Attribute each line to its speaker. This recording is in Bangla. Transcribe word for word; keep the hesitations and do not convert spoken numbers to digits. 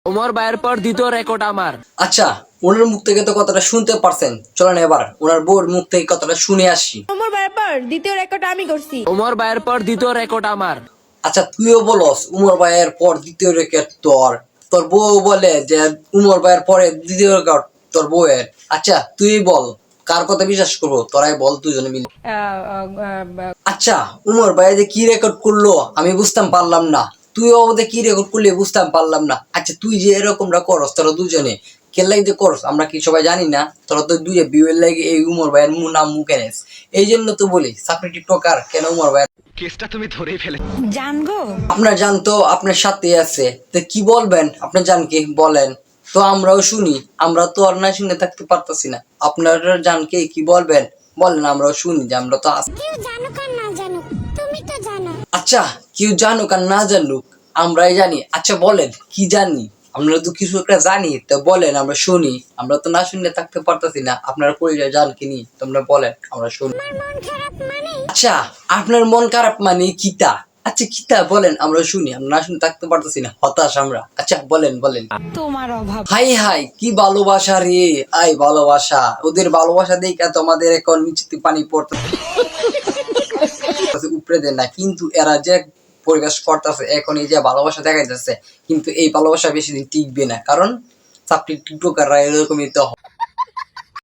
Speaker 1: উমর ভাইয়ের পর দ্বিতীয় রেকর্ড আমার।
Speaker 2: আচ্ছা, ওনার মুখ থেকে তো কথাটা শুনতে পারছেন, চলেন এবার ওনার বউর মুখ থেকে কথাটা শুনে আসি।
Speaker 3: উমর ভাইয়ের পর দ্বিতীয় রেকর্ড আমি করছি।
Speaker 1: উমর ভাইয়ের পর দ্বিতীয় রেকর্ড আমার।
Speaker 2: আচ্ছা, তুইও বলস উমর ভাইয়ের পর দ্বিতীয় রেকর্ড তোর, তোর বউ বলে যে উমর ভাইয়ের পরে দ্বিতীয় রেকর্ড তোর বউয়ের। আচ্ছা তুই বল, কার কথা বিশ্বাস করবো, তোরাই বল দুজনে মিলে। আচ্ছা, উমর ভাই যে কি রেকর্ড করলো আমি বুঝতাম পারলাম না, তুইও আমাদের কি রেকর্ড করলি বুঝতাম পারলাম না। আচ্ছা তুই যে এরকমটা করস, তোরা দুজনে কে লাগে যে করস আমরা কি সবাই জানি না? তোরা তো দুইটা বিয়ের লাগে এই উমর ভাইয়ের মু- নাম মুখে নেস, এই জন্য তো বলি সাপনি টিকটকার কেন উমর ভাই।
Speaker 4: কেসটা তুমি ধরেই ফেলে।
Speaker 3: জানগো
Speaker 2: আপনার জান তো আপনার সাথে আছে, তো কি বলবেন আপনার জানকে বলেন তো আমরাও শুনি, আমরা তো আর না শুনে থাকতে পারতাছি না। আপনার জানকে কি বলবেন বলেন, আমরাও শুনি যে আমরা তো আছি।
Speaker 5: কেউ জানুক আর না জানুক, তুমি তো জানো।
Speaker 2: আচ্ছা কেউ জানুক আর না জানুক আমরাই জানি। আচ্ছা বলেন কি জানি, আমরা তো কিছু একটা জানি তো বলেন আমরা শুনি, আমরা তো না শুনলে থাকতে পারতাছি না। আপনার পরিচয় জান কি নি তোমরা বলেন আমরা শুনি।
Speaker 5: আমার মন খারাপ মানে
Speaker 2: আচ্ছা আপনার মন খারাপ মানে কিতা? আচ্ছা কিতা বলেন আমরা শুনি, আমরা না শুনে থাকতে পারতেছি না, হতাশ আমরা। আচ্ছা বলেন বলেন।
Speaker 3: তোমার অভাব।
Speaker 2: হাই হাই কি ভালোবাসা রে, আই ভালোবাসা, ওদের ভালোবাসা দেখে তোমাদের এখন নিচে পানি পড়তে উপরে দেন না, কিন্তু এরা যে পরিবেশ করতেছে এখন এই যে ভালোবাসা দেখা যাচ্ছে, কিন্তু এই ভালোবাসা বেশি দিন টিকবে না, কারণ চাকরি টিকটকাররা এরকমই তো হয়।